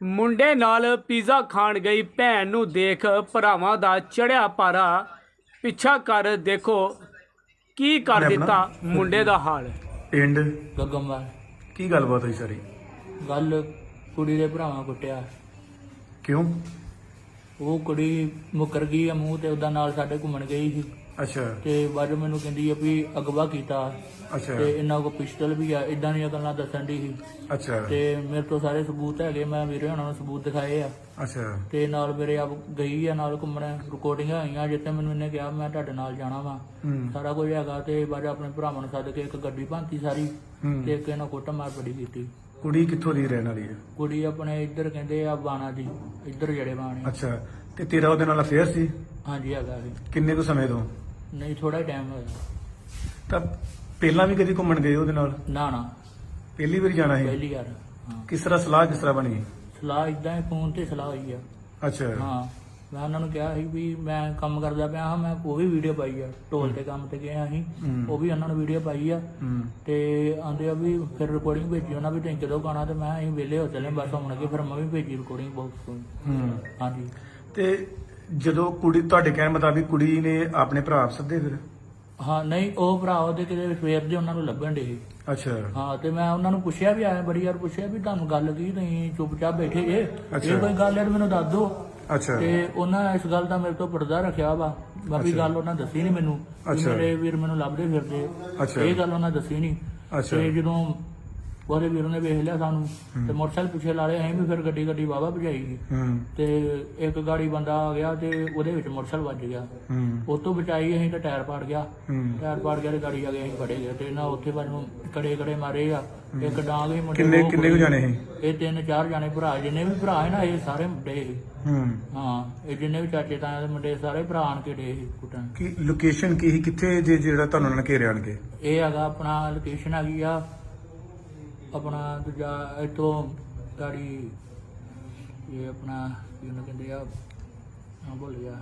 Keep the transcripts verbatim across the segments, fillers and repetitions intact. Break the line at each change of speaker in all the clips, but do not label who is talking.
ਮੁੰਡੇ ਨਾਲ ਪੀਜ਼ਾ ਖਾਣ ਗਈ ਭੈਣ ਨੂੰ ਦੇਖ ਭਰਾਵਾਂ ਦਾ ਚੜਿਆ ਪਾਰਾ ਪਿੱਛਾ ਕਰ ਦੇਖੋ ਕੀ ਕਰ ਦਿੱਤਾ ਮੁੰਡੇ ਦਾ ਹਾਲ।
ਪਿੰਡ
ਗੱਗਮਵਾਲ
ਕੀ ਗੱਲਬਾਤ ਹੋਈ ਸਾਰੀ?
ਗੱਲ ਕੁੜੀ ਦੇ ਭਰਾਵਾਂ ਕੁੱਟਿਆ।
ਕਿਉਂ?
ਉਹ ਕੁੜੀ ਮੁੱਕਰ ਗਈ ਆ ਮੂੰਹ ਤੇ ਉਹਦਾ ਨਾਲ ਸਾਡੇ ਘੁੰਮਣ ਗਈ ਸੀ
ਅੱਛਾ
ਤੇ ਬਾਅਦ ਮੈਨੂੰ ਕਹਿੰਦੀ ਆ ਵੀ ਅਗਵਾ ਕੀਤਾ
ਅੱਛਾ
ਤੇ ਇਹਨਾਂ ਕੋਲ ਪਿਸਟਲ ਵੀ ਆ, ਇਦਾਂ ਦੀਆਂ ਗੱਲਾਂ ਦੱਸਣ ਦੀ ਸੀ
ਅੱਛਾ
ਤੇ ਮੇਰੇ ਤੋਂ ਸਾਰੇ ਸਬੂਤ ਹੈਗੇ, ਮੈਂ ਵੀਰੇ ਉਹਨਾਂ ਨੂੰ ਸਬੂਤ ਦਿਖਾਏ ਆ
ਅੱਛਾ
ਤੇ ਨਾਲ ਮੇਰੇ ਆਪ ਗਈ ਆ ਨਾਲ ਘੁੰਮਣ, ਰਿਕਾਰਡਿੰਗਾਂ ਆਈਆਂ ਜਿੱਥੇ ਮੈਨੂੰ ਇਹਨੇ ਕਿਹਾ ਮੈਂ ਤੁਹਾਡੇ ਨਾਲ ਜਾਣਾ ਵਾ,
ਹੂੰ
ਸਾਰਾ ਕੁਝ ਹੈਗਾ। ਤੇ ਬਾਅਦ ਆਪਣੇ ਭਰਾਵਾਂ ਨੂੰ ਸੱਦ ਕੇ ਇੱਕ ਗੱਡੀ ਭਾਂਤੀ ਸਾਰੀ
ਹੂੰ।
ਤੇ ਇੱਕ ਇਹਨਾਂ ਕੁੱਟ ਮਾਰ ਬੜੀ ਕੀਤੀ।
ਕੁੜੀ ਕਿੱਥੋਂ ਦੀ ਰਹਿਣ ਵਾਲੀ ਹੈ?
ਕੁੜੀ ਆਪਣੇ ਇੱਧਰ ਕਹਿੰਦੇ ਆ ਬਾਣਾ ਦੀ, ਇੱਧਰ ਜਿਹੜੇ ਬਾਣੇ।
ਅੱਛਾ ਤੇ ਤੇਰਾ ਉਹਦੇ ਨਾਲ ਅਫੇਅਰ ਸੀ?
ਹਾਂਜੀ ਹੈਗਾ ਸੀ।
ਕਿੰਨੇ ਕੁ ਸਮੇਂ ਤੋਂ?
ਨਹੀਂ ਥੋੜਾ ਟਾਈਮ ਹੋਇਆ।
ਤਾਂ ਪਹਿਲਾਂ ਵੀ ਕਦੀ ਘੁੰਮਣ ਗਏ ਉਹਦੇ ਨਾਲ?
ਨਾ ਨਾ
ਪਹਿਲੀ ਵਾਰੀ ਜਾਣਾ ਸੀ?
ਪਹਿਲੀ ਵਾਰ। ਹਾਂ
ਕਿਸ ਤਰ੍ਹਾਂ ਸਲਾਹ ਕਿਸ ਤਰ੍ਹਾਂ ਬਣੀ?
ਸਲਾਹ ਇਦਾਂ ਹੀ ਫੋਨ ਤੇ ਸਲਾਹ ਹੋਈ ਆ।
ਅੱਛਾ
ਹਾਂ ਮੈਂ ਉਹਨਾਂ ਨੂੰ ਕਿਹਾ ਸੀ ਵੀ ਮੈਂ ਕੰਮ ਕਰਦਾ ਪਿਆ ਹਾਂ, ਮੈਂ ਉਹ ਵੀ ਵੀਡੀਓ ਪਾਈ ਆ, ਢੋਲ ਤੇ ਕੰਮ ਤੇ ਗਏ ਅਸੀਂ,
ਹੂੰ।
ਉਹ ਵੀ ਉਹਨਾਂ ਨੂੰ ਵੀਡੀਓ ਪਾਈ ਆ
ਹੂੰ
ਤੇ ਆਂਦੇ ਆ ਵੀ ਫਿਰ ਰਿਕਾਰਡਿੰਗ ਭੇਜੀ ਉਹਨਾਂ ਵੀ ਤੁਸੀਂ ਕਦੋਂ ਗਾਣਾ, ਤੇ ਮੈਂ ਅਸੀਂ ਵਿਹਲੇ ਹੋ ਚੱਲੇ ਬਸ ਹੁਣ ਅੱਗੇ, ਫਿਰ ਮੈਂ ਵੀ ਭੇਜੀ ਰਿਕਾਰਡਿੰਗ ਬਾਕਸ ਤੋਂ।
ਹੂੰ।
ਹਾਂਜੀ
ਤੇ ਜਦੋਂ ਕੁੜੀ ਤੁਹਾਡੇ ਕਹਿਣ ਮੁਤਾਬਿਕ ਕੁੜੀ ਨੇ ਆਪਣੇ ਭਰਾ ਸੱਦੇ ਫਿਰ?
ਹਾਂ ਨਹੀਂ ਉਹ ਭਰਾ ਉਹਦੇ ਕਿਤੇ ਸਵੇਰ ਦੇ ਉਹਨਾਂ ਨੂੰ ਲੱਭਣ ਡੇ।
ਅੱਛਾ
ਹਾਂ ਤੇ ਮੈਂ ਉਹਨਾਂ ਨੂੰ ਪੁੱਛਿਆ ਵੀ ਆਇਆ ਬੜੀ ਵਾਰ ਪੁੱਛਿਆ ਵੀ ਤੁਹਾਨੂੰ ਗੱਲ ਕੀ, ਤੁਸੀਂ ਚੁੱਪਚਾਪ ਬੈਠੇ ਜੇ,
ਅੱਛਾ।
ਇਹ ਕੋਈ ਗੱਲ ਹੈ ਤਾਂ ਮੈਨੂੰ ਦੱਸ ਦਿਓ।
ਅੱਛਾ
ਤੇ ਉਹਨਾਂ ਇਸ ਗੱਲ ਦਾ ਮੇਰੇ ਤੋਂ ਪਰਦਾ ਰੱਖਿਆ ਵਾ, ਬਾਕੀ
ਅੱਛਾ।
ਗੱਲ ਉਹਨਾਂ ਦੱਸੀ ਨਹੀਂ ਮੈਨੂੰ ਵੀ
ਅੱਛਾ।
ਮੇਰੇ ਵੀਰ ਮੈਨੂੰ ਲੱਭਦੇ ਫਿਰਦੇ,
ਅੱਛਾ।
ਇਹ ਗੱਲ ਉਹਨਾਂ ਦੱਸੀ ਨਹੀਂ।
ਅੱਛਾ।
ਤੇ ਜਦੋਂ ਉਹਦੇ ਵੀਰ ਨੇ ਵੇਖ ਲਿਆ ਸਾਨੂੰ ਤੇ ਮੋਟਰਸਾਈਕਲ ਪਿੱਛੇ ਲਾ ਲਿਆ, ਅਸੀਂ ਵੀ ਫਿਰ ਗੱਡੀ ਗੱਡੀ ਵਾਵਾ ਭਜਾਈ ਗਈ
ਹੂੰ
ਤੇ ਇੱਕ ਗਾੜੀ ਬੰਦਾ ਆ ਗਿਆ ਤੇ ਉਹਦੇ ਵਿੱਚ ਮੋਟਰਸਾਈਕਲ ਵੱਜ ਗਿਆ,
ਹੂੰ
ਉਹ ਤੋਂ ਬਚਾਈ ਅਸੀਂ ਤਾਂ ਟਾਇਰ ਪਾੜ ਗਿਆ,
ਹੂੰ।
ਟਾਇਰ ਪਾੜ ਗਿਆ ਤੇ ਗਾੜੀ ਆ ਗਈ, ਅਸੀਂ ਫੜੇ ਗਏ ਤੇ ਨਾ ਉੱਥੇ ਸਾਨੂੰ ਕੜੇ ਕੜੇ ਮਾਰੇ ਆ, ਇੱਕ ਡਾਂਗ ਹੀ ਮੁੰਡੇ
ਕਿੰਨੇ
ਦੋ
ਕਿੰਨੇ ਕੁ ਜਾਣੇ ਸੀ?
ਇਹ ਤਿੰਨ ਚਾਰ ਜਾਣੇ ਭਰਾ, ਜਿੰਨੇ ਵੀ ਭਰਾ ਹੈ ਨਾ ਇਹ ਸਾਰੇ ਮੁੰਡੇ ਸੀ।
ਹੂੰ।
ਹਾਂ ਇਹ ਜਿੰਨੇ ਵੀ ਚਾਚੇ ਤਾਇਆ ਦੇ ਮੁੰਡੇ ਸਾਰੇ ਭਰਾ ਆਣ ਕੇ ਡੇ ਸੀ ਕੁੱਟਣ।
ਕੀ ਲੋਕੇਸ਼ਨ ਕੀ ਸੀ, ਕਿੱਥੇ ਜੇ ਜਿਹੜਾ ਤੁਹਾਨੂੰ ਉਹਨਾਂ ਨੇ ਘੇਰਿਆ ਆਣ ਕੇ?
ਇਹ ਹੈਗਾ ਆਪਣਾ ਲੋਕੇਸ਼ਨ ਹੈਗੀ ਆ ਆਪਣਾ ਦੂਜਾ ਇੱਥੋਂ ਗਾੜੀ, ਇਹ ਆਪਣਾ ਕੀ ਉਹਨੂੰ ਕਹਿੰਦੇ ਆ, ਹਾਂ ਭੁੱਲ ਗਿਆ,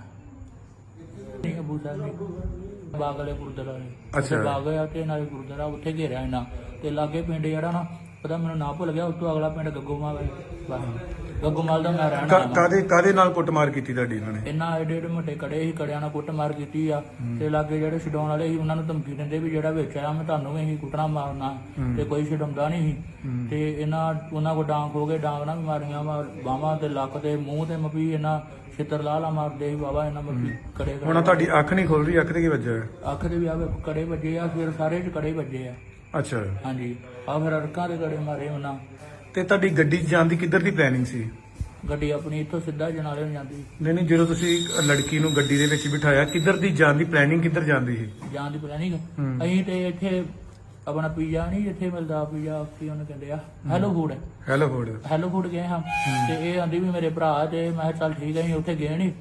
ਨਹੀਂ ਅਬੂ ਸਾਹਿਬ ਨਹੀਂ, ਬਾਗ ਵਾਲੇ ਗੁਰਦੁਆਰਾ ਨੇ।
ਅੱਛਾ।
ਉੱਥੇ ਬਾਗ ਆ ਤੇ ਨਾਲੇ ਗੁਰਦੁਆਰਾ, ਉੱਥੇ ਘੇਰਿਆ ਇਹਨਾਂ ਤੇ ਲਾਗੇ ਪਿੰਡ ਜਿਹੜਾ ਨਾ ਪਤਾ ਮੈਨੂੰ ਨਾ ਭੁੱਲ ਗਿਆ, ਉਸ ਤੋਂ ਅਗਲਾ ਪਿੰਡ ਗੱਗੋਮਾਲ ਹੈ। ਬਸ ਗੱਗੋਮਾਲ ਦਾ ਮੈਂ ਰਹਿਣਾ ਵਾ।
ਕਾਦੇ ਕਾਦੇ ਨਾਲ ਕੁੱਟਮਾਰ ਕੀਤੀ ਤੁਹਾਡੀ ਇਹਨਾਂ ਨੇ?
ਇਹਨਾਂ ਏਡੇ ਏਡੇ ਮੋਟੇ ਕੜੇ ਸੀ, ਕੜਿਆਂ ਨਾਲ ਕੁੱਟਮਾਰ ਕੀਤੀ ਆ ਤੇ ਲਾਗੇ ਜਿਹੜੇ ਛਡਾਉਣ ਵਾਲੇ ਸੀ ਉਹਨਾਂ ਨੂੰ ਧਮਕੀ ਦਿੰਦੇ ਵੀ ਜਿਹੜਾ ਵਿੱਚ ਆਇਆ ਮੈਂ ਤੁਹਾਨੂੰ ਵੀ ਅਸੀਂ ਕੁੱਟਣਾ ਮਾਰਨਾ, ਤੇ ਕੋਈ ਛਡਾਉਂਦਾ ਨਹੀਂ ਸੀ। ਤੇ ਇਹਨਾਂ ਉਹਨਾਂ ਕੋ ਡਾਂਗ ਹੋ ਗਏ, ਡਾਂਗ ਨਾਲ ਵੀ ਮਾਰੀਆਂ ਬਾਹਾਂ ਤੇ ਲੱਕ ਤੇ ਮੂੰਹ ਤੇ ਮਪੀ, ਇਹਨਾਂ ਛਿੱਤਰ ਲਾਲਾ ਮਾਰਦੇ ਸੀ ਬਾਬਾ, ਇਹਨਾਂ ਮਪੀ ਕੜੇ
ਹੁਣ ਤੁਹਾਡੀ ਅੱਖ ਨਹੀਂ ਖੁੱਲ ਰਹੀ, ਅੱਖ ਤੇ ਕੀ ਵੱਜਿਆ?
ਅੱਖ ਦੇ ਵੀ ਆਵੇ ਕੜੇ ਵੱਜੇ ਆ, ਫਿਰ ਸਾਰੇ ਚ ਕੜੇ ਵੱਜੇ ਆ।
ਅੱਛਾ
ਹਾਂਜੀ ਆ ਫਿਰ ਅੜਕਾਂ ਦੇ ਕੜੇ ਮਾਰੇ ਉਹਨਾਂ।
ਤੇ ਤੁਹਾਡੀ ਗੱਡੀ 'ਚ ਜਾਣ ਦੀ ਕਿੱਧਰ ਦੀ ਪਲੈਨਿੰਗ ਸੀ?
ਗੱਡੀ ਆਪਣੀ ਇੱਥੋਂ ਸਿੱਧਾ ਜਨਾਲੇ ਨੂੰ ਜਾਂਦੀ,
ਨਹੀਂ ਨਹੀਂ, ਜਦੋਂ ਤੁਸੀਂ ਲੜਕੀ ਨੂੰ ਗੱਡੀ ਦੇ ਵਿੱਚ ਬਿਠਾਇਆ ਕਿੱਧਰ ਦੀ ਜਾਣ ਦੀ ਪਲੈਨਿੰਗ ਕਿੱਧਰ ਜਾਂਦੀ ਸੀ?
ਜਾਣ ਦੀ ਪਲੈਨਿੰਗ
ਹੂੰ।
ਅਸੀਂ ਤੇ ਇੱਥੇ ਆਪਣਾ ਪੀਜ਼ਾ ਨਹੀਂ ਇੱਥੇ ਮਿਲਦਾ, ਪੀਜ਼ਾ ਕੀ ਉਹਨੂੰ ਕਹਿੰਦੇ ਆ, hello food,
hello Ford.
Hello food ਗਏ ਹਾਂ ਤੇ ਇਹ ਆਂਦੀ ਵੀ ਮੇਰੇ ਭਰਾ, ਤੇ ਮੈਂ ਕਿਹਾ ਚੱਲ ਠੀਕ ਹੈ, ਅਸੀਂ ਉੱਥੇ ਗਏ ਨਹੀਂ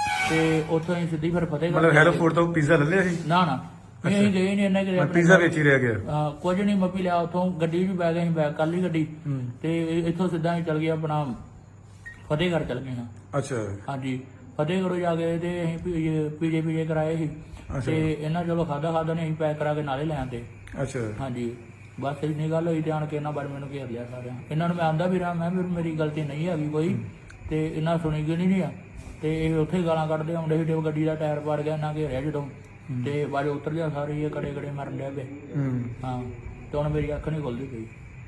ਤੇ ਉੱਥੋਂ ਅਸੀਂ ਸਿੱਧੀ ਫਿਰ ਫਤਿਹਗੜ੍ਹ
ਮਤਲਬ ਹੈਲੋ ਫੋਰਡ ਤੋਂ ਪੀਜ਼ਾ ਲੈ ਲਿਆ ਸੀ?
ਨਾ ਨਾ ਨਹੀਂ, ਅਸੀਂ ਗਏ ਨਹੀਂ, ਇਹਨੇ ਕਿਹਾ
ਪੀਜ਼ਾ ਵਿੱਚ ਹੀ ਰਹਿ ਗਿਆ?
ਹਾਂ ਕੁਝ ਨਹੀਂ ਮੱਪੀ ਲਿਆ ਉੱਥੋਂ, ਗੱਡੀ ਵੀ ਬੈ ਗਏ, ਅਸੀਂ ਬੈਗ ਕਰ ਲਈ ਗੱਡੀ
ਹੂੰ।
ਤੇ ਇੱਥੋਂ ਸਿੱਧਾ ਅਸੀਂ ਚੱਲ ਗਏ ਆਪਣਾ ਫਤਿਹਗੜ੍ਹ ਚੱਲ ਗਏ ਹਾਂ।
ਅੱਛਾ
ਹਾਂਜੀ ਫਤਿਹਗੜ੍ਹ ਜਾ ਕੇ ਤੇ ਅਸੀਂ ਪੀਜੇ ਪੀਜੇ ਪੀਜੇ ਕਰਾਏ ਸੀ ਤੇ ਇਹਨਾਂ ਚਲੋ ਖਾਦਾ ਖਾਦਾ ਨੇ ਅਸੀਂ ਪੈਕ ਕਰਾ ਕੇ ਨਾਲੇ ਲੈ ਆਂਦੇ।
ਅੱਛਾ
ਹਾਂਜੀ ਬਸ ਇੰਨੀ ਗੱਲ ਹੋਈ ਤੇ ਆਣ ਕੇ ਇਹਨਾਂ ਬਾਰੇ ਮੈਨੂੰ ਘੇਰ ਲਿਆ ਸਾਰਿਆਂ, ਇਹਨਾਂ ਨੂੰ ਮੈਂ ਆਂਦਾ ਵੀ ਰਹਾ, ਮੈਂ ਵੀ ਮੇਰੀ ਗਲਤੀ ਨਹੀਂ ਹੈਗੀ ਕੋਈ, ਤੇ ਇਹਨਾਂ ਸੁਣੀ ਗਈ ਨਹੀਂ ਆ ਤੇ ਇਹ ਉੱਥੇ ਗਾਲਾਂ ਕੱਢਦੇ ਆਉਂਦੇ ਸੀ, ਤੇ ਗੱਡੀ ਦਾ ਟਾਇਰ ਪਾੜ ਗਿਆ, ਇਹਨਾਂ ਘੇਰਿਆ ਜਦੋਂ ਤੇ ਬਾਅਦ ਉਤਰ ਗਿਆ ਸਾਰੇ, ਇਹ ਕੜੇ ਕੜੇ ਮਰਨ ਡਿਆ ਪਏ।
ਹੂੰ।
ਹਾਂ ਤੇ ਹੁਣ ਮੇਰੀ ਅੱਖ ਨਹੀਂ ਖੁੱਲਦੀ ਪਈ।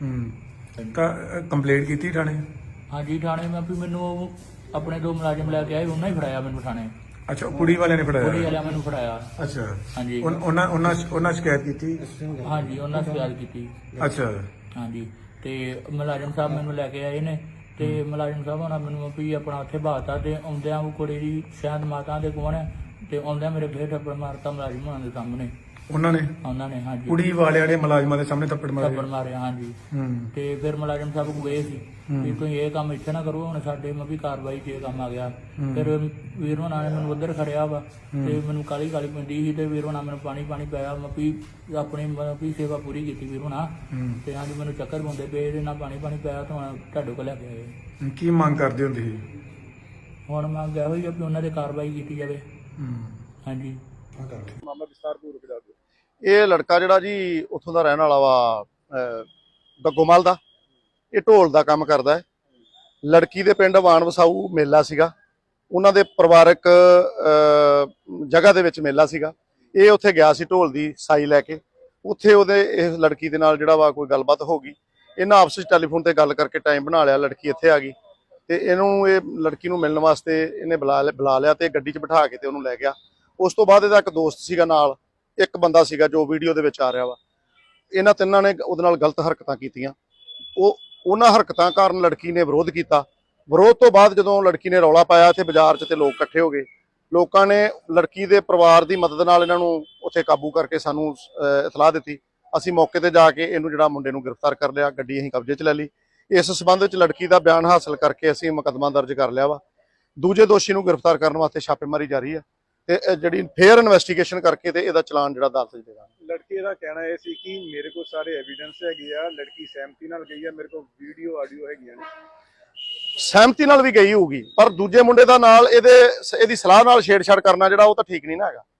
ਹੂੰ। ਤਾਂ ਕੰਪਲੇਂਟ ਕੀਤੀ ਥਾਣੇ?
ਹਾਂਜੀ ਥਾਣੇ ਮੈਂ ਵੀ ਮੈਨੂੰ ਉਹ ਆਪਣੇ ਦੋ ਮੁਲਾਜ਼ਮ ਲੈ ਕੇ ਆਏ, ਉਹਨਾਂ ਹੀ ਫੜਾਇਆ ਮੈਨੂੰ ਥਾਣੇ,
ਅੱਛਾ ਕੁੜੀ ਵਾਲਿਆਂ ਨੇ
ਕੁੜੀ
ਫੜਾਇਆ?
ਵਾਲਿਆਂ ਮੈਨੂੰ ਫੜਾਇਆ।
ਅੱਛਾ
ਹਾਂਜੀ
ਉਨ- ਉਹਨਾਂ ਉਹਨਾਂ ਉਹਨਾਂ ਸ਼ਿਕਾਇਤ ਕੀਤੀ?
ਹਾਂਜੀ ਉਹਨਾਂ ਸ਼ਿਕਾਇਤ ਕੀਤੀ।
ਅੱਛਾ
ਹਾਂਜੀ ਤੇ ਮੁਲਾਜ਼ਮ ਸਾਹਿਬ ਮੈਨੂੰ ਲੈ ਕੇ ਆਏ ਨੇ ਤੇ ਮੁਲਾਜ਼ਮ ਸਾਹਿਬ ਉਹਨਾਂ ਮੈਨੂੰ ਵੀ ਆਪਣਾ ਉੱਥੇ ਬਾਤਾ, ਤੇ ਆਉਂਦਿਆਂ ਉਹ ਕੁੜੀ ਦੀ ਸ਼ਾਇਦ ਮਾਤਾ ਦੇ ਕੋਲ ਹੈ, ਤੇ ਆਉਂਦਿਆਂ ਮੇਰੇ ਫੇਰ ਥੱਪੜ ਮਾਰਤਾ ਮੁਲਾਜ਼ਮ ਉਹਨਾਂ ਦੇ ਸਾਹਮਣੇ,
ਉਹਨਾਂ ਨੇ?
ਉਹਨਾਂ ਨੇ ਹਾਂਜੀ
ਕੁੜੀ ਵਾਲਿਆਂ ਨੇ ਮੁਲਾਜ਼ਮਾਂ ਦੇ ਸਾਹਮਣੇ ਥੱਪੜ ਮਾਰੇ?
ਥੱਪੜ ਮਾਰਿਆ ਹਾਂਜੀ।
ਹੂੰ
ਤੇ ਫਿਰ ਮੁਲਾਜ਼ਮ ਸਾਹਿਬ ਗਏ ਸੀ ਵੀ ਤੁਸੀਂ ਇਹ ਕੰਮ ਇੱਥੇ ਨਾ ਕਰੋ, ਹੁਣ ਸਾਡੇ ਮੈਂ ਵੀ ਕਾਰਵਾਈ 'ਚ ਇਹ ਕੰਮ ਆ ਗਿਆ। ਫਿਰ ਵੀਰ ਹੋਣਾ ਨੇ ਮੈਨੂੰ ਉੱਧਰ ਖੜਿਆ ਵਾ ਤੇ ਮੈਨੂੰ ਕਾਲੀ ਕਾਲੀ ਪੈਂਦੀ ਸੀ, ਤੇ ਵੀਰ ਹੋਣਾ ਮੈਨੂੰ ਪਾਣੀ ਪਾਣੀ ਪਿਆ, ਮੈਂ ਵੀ ਆਪਣੀ ਵੀ ਸੇਵਾ ਪੂਰੀ ਕੀਤੀ ਵੀਰ ਹੋਣਾ, ਤੇ ਹਾਂਜੀ ਮੈਨੂੰ ਚੱਕਰ ਪਾਉਂਦੇ ਪਏ, ਇਹਦੇ ਨਾਲ ਪਾਣੀ ਪਾਣੀ ਪਿਆ, ਤਾਂ ਹੁਣ ਤੁਹਾਡੇ ਕੋਲ ਲੈ ਕੇ ਆਏ।
ਕੀ ਮੰਗ ਕਰਦੇ ਹੁੰਦੇ ਸੀ?
ਹੁਣ ਮੰਗ ਇਹੋ ਹੀ ਆ ਵੀ ਉਹਨਾਂ ਤੇ ਕਾਰਵਾਈ ਕੀਤੀ ਜਾਵੇ।
ਹੂੰ।
ਹਾਂਜੀ
ਮਾਮਲਾ ਵਿਸਤਾਰਪੂਰਵਕ ਦੱਸ ਦਿਓ।
ਇਹ ਲੜਕਾ ਜਿਹੜਾ ਜੀ ਉੱਥੋਂ ਦਾ ਰਹਿਣ ਵਾਲਾ ਵਾ, ਗੱਗੋਮਲ ਦਾ, ਇਹ ਢੋਲ ਦਾ ਕੰਮ ਕਰਦਾ ਹੈ। ਲੜਕੀ ਦੇ ਪਿੰਡ ਵਾਣ ਵਸਾਊ ਮੇਲਾ ਸੀਗਾ, ਉਹਨਾਂ ਦੇ ਪਰਿਵਾਰਕ ਅਹ, ਜਗ੍ਹਾ ਦੇ ਵਿੱਚ ਮੇਲਾ ਸੀਗਾ। ਇਹ ਉੱਥੇ ਗਿਆ ਸੀ ਢੋਲ ਦੀ ਸਾਈ ਲੈ ਕੇ। ਉੱਥੇ ਉਹਦੇ ਇਸ ਲੜਕੀ ਦੇ ਨਾਲ ਜਿਹੜਾ ਵਾ ਕੋਈ ਗੱਲਬਾਤ ਹੋ ਗਈ। ਇਹਨਾਂ ਆਪਸ ਵਿੱਚ ਟੈਲੀਫੋਨ ਤੇ ਗੱਲ ਕਰਕੇ ਟਾਈਮ ਬਣਾ ਲਿਆ। ਲੜਕੀ ਇੱਥੇ ਆ ਗਈ ਤੇ ਇਹਨੂੰ ਇਹ ਲੜਕੀ ਨੂੰ ਮਿਲਣ ਵਾਸਤੇ ਇਹਨੇ ਬੁਲਾ ਲਿਆ ਬੁਲਾ ਲਿਆ ਤੇ ਗੱਡੀ 'ਚ ਬਿਠਾ ਕੇ ਤੇ ਉਹਨੂੰ ਲੈ ਗਿਆ। ਉਸ ਤੋਂ ਬਾਅਦ ਇਹਦਾ ਇੱਕ ਦੋਸਤ ਸੀਗਾ ਨਾਲ, ਇੱਕ ਬੰਦਾ ਸੀਗਾ ਜੋ ਵੀਡੀਓ ਦੇ ਵਿੱਚ ਆ ਰਿਹਾ ਵਾ। ਇਹਨਾਂ ਤਿੰਨਾਂ ਨੇ ਉਹਦੇ ਨਾਲ ਗਲਤ ਹਰਕਤਾਂ ਕੀਤੀਆਂ। ਉਹ ਉਹਨਾਂ ਹਰਕਤਾਂ ਕਾਰਨ ਲੜਕੀ ਨੇ ਵਿਰੋਧ ਕੀਤਾ। ਵਿਰੋਧ ਤੋਂ ਬਾਅਦ ਜਦੋਂ ਲੜਕੀ ਨੇ ਰੌਲਾ ਪਾਇਆ ਤੇ ਬਾਜ਼ਾਰ 'ਚ ਤੇ ਲੋਕ ਇਕੱਠੇ ਹੋ ਗਏ। ਲੋਕਾਂ ਨੇ ਲੜਕੀ ਦੇ ਪਰਿਵਾਰ ਦੀ ਮਦਦ ਨਾਲ ਇਹਨਾਂ ਨੂੰ ਉੱਥੇ ਕਾਬੂ ਕਰਕੇ ਸਾਨੂੰ ਅਹ, ਇਤਲਾਹ ਦਿੱਤੀ। ਅਸੀਂ ਮੌਕੇ ਤੇ ਜਾ ਕੇ ਇਹਨੂੰ ਜਿਹੜਾ ਮੁੰਡੇ ਨੂੰ ਗ੍ਰਿਫਤਾਰ ਕਰ ਲਿਆ, ਗੱਡੀ ਅਸੀਂ ਕਬਜ਼ੇ 'ਚ ਲੈ ਲਈ। ਇਸ ਸਬੰਧ ਵਿੱਚ ਲੜਕੀ ਦਾ ਬਿਆਨ ਹਾਸਲ ਕਰਕੇ ਅਸੀਂ ਮੁਕੱਦਮਾ ਦਰਜ ਕਰ ਲਿਆ ਵਾ। ਦੂਜੇ ਦੋਸ਼ੀ ਨੂੰ ਗ੍ਰਿਫਤਾਰ ਕਰਨ ਵਾਸਤੇ ਛਾਪੇਮਾਰੀ ਜਾਰੀ ਹੈ ਤੇ ਇਹ ਜਿਹੜੀ ਫੇਅਰ ਇਨਵੈਸਟੀਗੇਸ਼ਨ ਕਰਕੇ ਤੇ ਇਹਦਾ ਚਲਾਨ ਜਿਹੜਾ ਅਦਾਲਤ 'ਚ ਦੇਣਾ।
ਲੜਕੀ ਦਾ ਕਹਿਣਾ ਇਹ ਸੀ ਕਿ ਮੇਰੇ ਕੋਲ ਸਾਰੇ ਐਵੀਡੈਂਸ ਹੈਗੇ ਆ, ਲੜਕੀ ਸਹਿਮਤੀ ਨਾਲ ਗਈ ਆ, ਮੇਰੇ ਕੋਲ ਵੀਡੀਓ ਆਡੀਓ ਹੈਗੀਆਂ ਨੇ।
ਸਹਿਮਤੀ ਨਾਲ ਵੀ ਗਈ ਹੋਊਗੀ, ਪਰ ਦੂਜੇ ਮੁੰਡੇ ਦਾ ਨਾਲ ਇਹਦੇ ਇਹਦੀ ਸਲਾਹ ਨਾਲ ਛੇੜਛਾੜ ਕਰਨਾ ਜਿਹੜਾ ਉਹ ਤਾਂ ਠੀਕ ਨਹੀਂ ਨਾ ਹੈਗਾ।